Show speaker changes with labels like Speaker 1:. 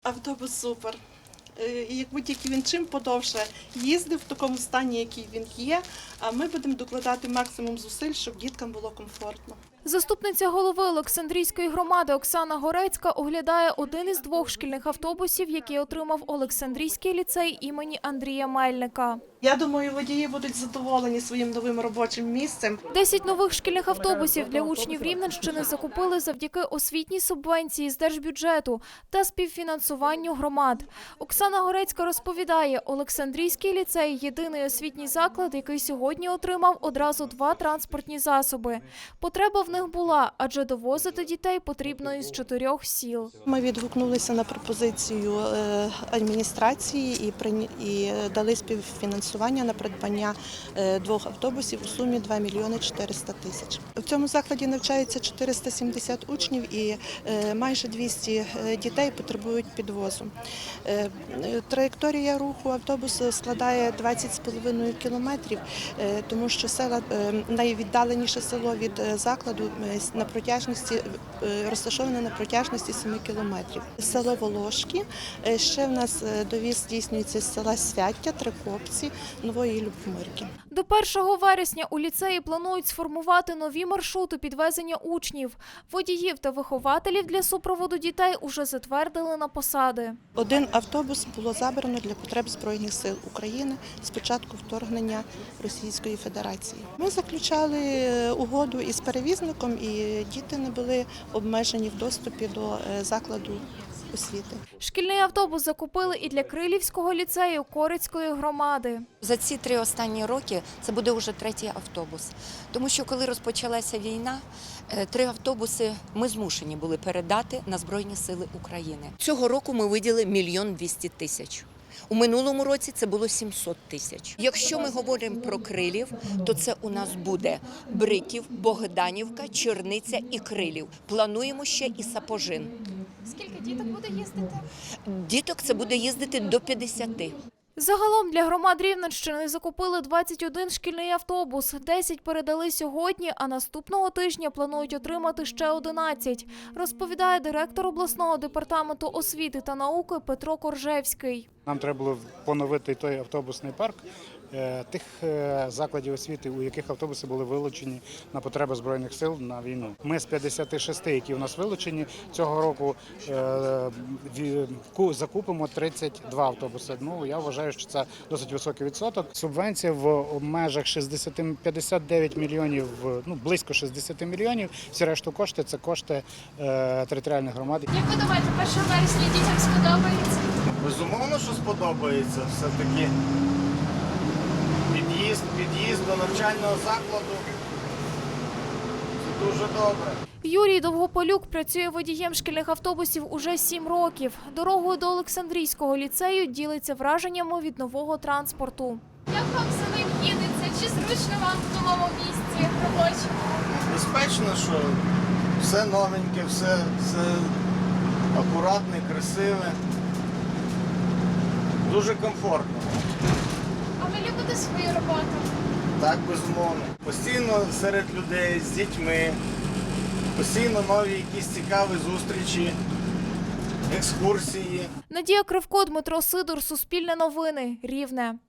Speaker 1: Автобус супер. І якби тільки він чим подовше їздив в такому стані, який він є, а ми будемо докладати максимум зусиль, щоб діткам було комфортно.
Speaker 2: Заступниця голови Олександрійської громади Оксана Горецька оглядає один із двох шкільних автобусів, який отримав Олександрійський ліцей імені Андрія Мельника.
Speaker 1: Я думаю, водії будуть задоволені своїм новим робочим місцем.
Speaker 2: 10 нових шкільних автобусів для учнів Рівненщини закупили завдяки освітній субвенції з держбюджету та співфінансуванню громад. Оксана Горецька розповідає, Олександрійський ліцей – єдиний освітній заклад, який сьогодні отримав одразу 2 транспортні засоби. Потреба в них була, адже довозити дітей потрібно із 4 сіл.
Speaker 1: Ми відгукнулися на пропозицію адміністрації і дали співфінансування на придбання 2 автобусів у сумі 2 мільйони 400 тисяч. В цьому закладі навчається 470 учнів і майже 200 дітей потребують підвозу. Траєкторія руху автобусу складає 20,5 кілометрів, тому що найвіддаленіше село від закладу розташоване на протяжності 7 кілометрів. Село Волошки, ще в нас довіз здійснюється з села Свяття, Трикопці, Нової Любомирки.
Speaker 2: До 1 вересня у ліцеї планують сформувати нові маршрути підвезення учнів. Водіїв та вихователів для супроводу дітей уже затвердили на посади.
Speaker 1: 1 автобус було забрано для потреб Збройних сил України з початку вторгнення Російської Федерації. Ми заключали угоду із перевізником, і діти не були обмежені в доступі до закладу освіти.
Speaker 2: Шкільний автобус закупили і для Крилівського ліцею Корицької громади.
Speaker 3: За ці 3 останні роки це буде вже 3-й автобус. Тому що коли розпочалася війна, 3 автобуси ми змушені були передати на Збройні сили України. Цього року ми виділили 1 мільйон 200 тисяч. У минулому році це було 700 тисяч. Якщо ми говоримо про Крилів, то це у нас буде Бриків, Богданівка, Черниця і Крилів. Плануємо ще і Сапожин.
Speaker 2: Скільки діток буде їздити?
Speaker 3: Діток це буде їздити до 50.
Speaker 2: Загалом для громад Рівненщини закупили 21 шкільний автобус, 10 передали сьогодні, а наступного тижня планують отримати ще 11, розповідає директор обласного департаменту освіти та науки Петро Коржевський.
Speaker 4: Нам треба було поновити той автобусний парк тих закладів освіти, у яких автобуси були вилучені на потреби Збройних сил на війну. Ми з 56, які у нас вилучені, цього року закупимо 32 автобуси. Ну, я вважаю, що це досить високий відсоток. Субвенція в межах 59 мільйонів, близько 60 мільйонів. Всі решту кошти – це кошти територіальних громад.
Speaker 2: Як ви думаєте, 1 вересня дітям сподобається?
Speaker 5: Безумовно, що сподобається. Все-таки під'їзд до навчального закладу – це дуже добре.
Speaker 2: Юрій Довгополюк працює водієм шкільних автобусів уже 7 років. Дорогою до Олександрійського ліцею ділиться враженнями від нового транспорту. Як вам самим їдеться? Чи зручно вам в новому місці робочому?
Speaker 5: Безпечно, що все новеньке, все акуратне, красиве, дуже комфортно.
Speaker 2: А ви любите свою роботу?
Speaker 5: Так, безумовно. Постійно серед людей, з дітьми, постійно нові якісь цікаві зустрічі, екскурсії.
Speaker 2: Надія Кривко, Дмитро Сидор, Суспільне новини, Рівне.